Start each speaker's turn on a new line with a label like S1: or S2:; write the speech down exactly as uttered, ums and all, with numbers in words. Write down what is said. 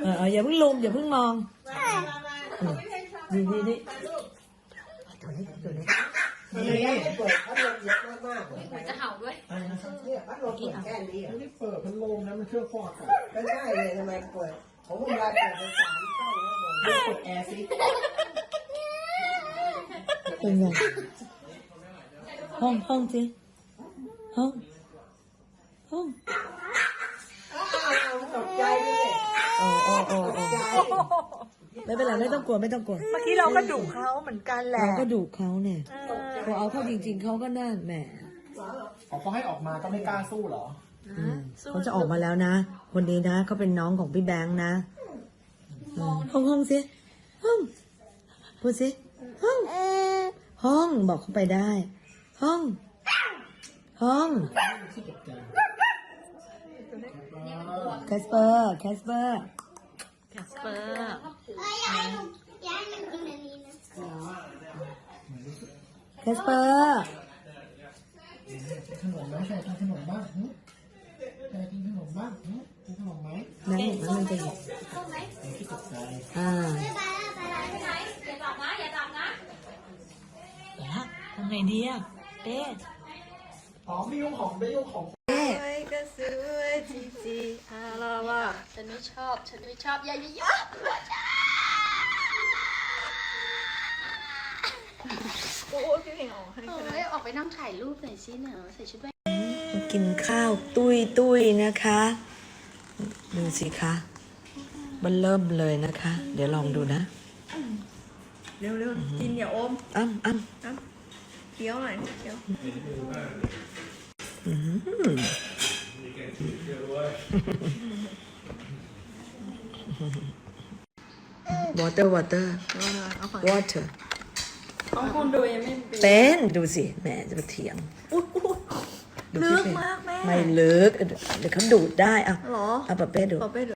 S1: เอออย่าเพิ่งลุมอย่าเพิ่งมองดีดีดีตัวนี้ตัวนี้
S2: นี่เปิดพัดลมเยอะมากๆเลย
S3: จะเห่าด้วย
S2: เนี่ยพัดลมเปิดแค่นี้อ่ะ
S4: ไม่ได้เปิดพัดลมนะมันเครื่องฟอกอากาศ
S2: ก็ใช่เลยทำไมเปิดผมเวลาเปิดเป็นสามช่องแล้วผม
S4: กดแอร์ซิ
S1: เป็นไงห้องห้องสิห้องห้อง
S2: อ้าวตกใจเลย
S1: โอ้โอ้โอ้
S2: ต
S1: โอ้
S2: กใจ
S1: ไม่เป็นไรไม่ต้องกลัวไม่ต้องกลัว
S5: เมื่อกี้เราก็ดุเขาเหมือนกันแหละ
S1: เราก็ดุเขาเนี่ยพอเอาเข้าจริง ๆเขาก็น่าแหม
S4: เขาก็ให้ออกมาก็ไม่กล้าสู้เหรอ
S1: อืมเขาจะออกมาแล้วนะคนนี้นะเขาเป็นน้องของพี่แบงค์นะอืมห้องห้องสิห้องพูดสิห้องห้องบอกเขาไปได้ ห้อง ห้องแคสเปอร์แคสเปอร์
S5: แคสเปอร์
S1: แคสเปอร์
S4: ขนมไหมใครกินขนมบ้างหึใครกินขนมบ้างหึกินขนมไหม
S1: นั่นมันมันจะหยิบ
S4: ที่ตกใจ
S1: อ่า
S3: อย่าจับนะอย่าจับนะ
S5: แล้วทำไงดีอ่ะเป๊ะ
S4: อ๋อไม่ยุ่งของไม่ยุ่งของ
S1: เอ๊ะ
S5: สวยก็สวยจีจีอาลาว่า
S3: ฉันไม่ชอบฉันไม่ชอบอย่าอย่าอย่า
S5: โอ้พี่เพลงออกให้ก็ได้
S3: เฮ้ยออกไปนั่งถ่ายรูปหน่อยสิเนอะใส่ชุดแบบ
S1: มากินข้าวตุยตุยนะคะ ดูสิคะมันเริ่มเลยนะคะ เดี๋ยวลองดูนะ
S5: เร็วเร็วกินอย่าอม
S1: อ้ำอ้ำ
S5: น้ำเคี้ยวหน่อยเคี้ยว
S1: อืม water water
S5: เอาของ
S1: water
S5: ของคุณดูยังไม่
S1: เป็นดูสิแหมจะมาเถียง
S5: อุ๊ยอุ๊ย
S1: ดู
S5: ลึ
S1: สิ
S5: ก
S1: เป็น
S5: มากแม่
S1: ไม่ลึกเดี๋ยวเขาดูดได้อ่ะ
S5: เหรอ
S1: เอาปะเป้ดู
S5: ปอเป้ดู